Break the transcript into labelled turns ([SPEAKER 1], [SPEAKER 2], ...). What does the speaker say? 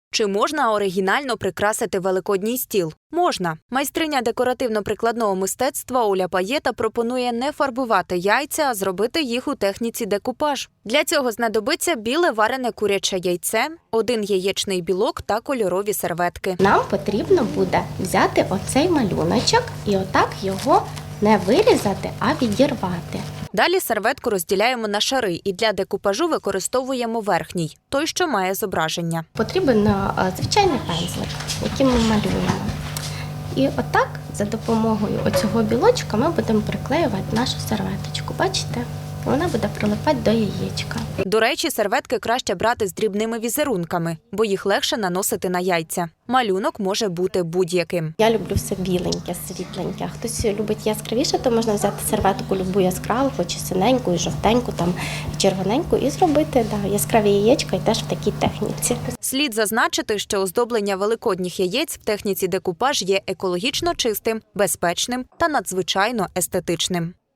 [SPEAKER 1] Чи можна оригінально прикрасити великодній стіл? Можна. Майстриня декоративно-прикладного мистецтва Оля Паєта пропонує не фарбувати яйця, а зробити їх у техніці декупаж. Для цього знадобиться біле варене куряче яйце, 1 яєчний білок та кольорові серветки.
[SPEAKER 2] Нам потрібно буде взяти оцей малюночок і отак його не вирізати, а відірвати.
[SPEAKER 1] Далі серветку розділяємо на шари і для декупажу використовуємо верхній, той, що має зображення.
[SPEAKER 2] Потрібен звичайний пензлик, яким ми малюємо. І отак за допомогою оцього білочка ми будемо приклеювати нашу серветочку. Бачите? Вона буде прилипати до яєчка.
[SPEAKER 1] До речі, серветки краще брати з дрібними візерунками, бо їх легше наносити на яйця. Малюнок може бути будь-яким.
[SPEAKER 2] Я люблю все біленьке, світленьке. А хтось любить яскравіше, то можна взяти серветку любу яскраву, хоч і синеньку, і жовтеньку, там, і червоненьку, і зробити яскраві яєчка і теж в такій техніці.
[SPEAKER 1] Слід зазначити, що оздоблення великодніх яєць в техніці декупаж є екологічно чистим, безпечним та надзвичайно естетичним.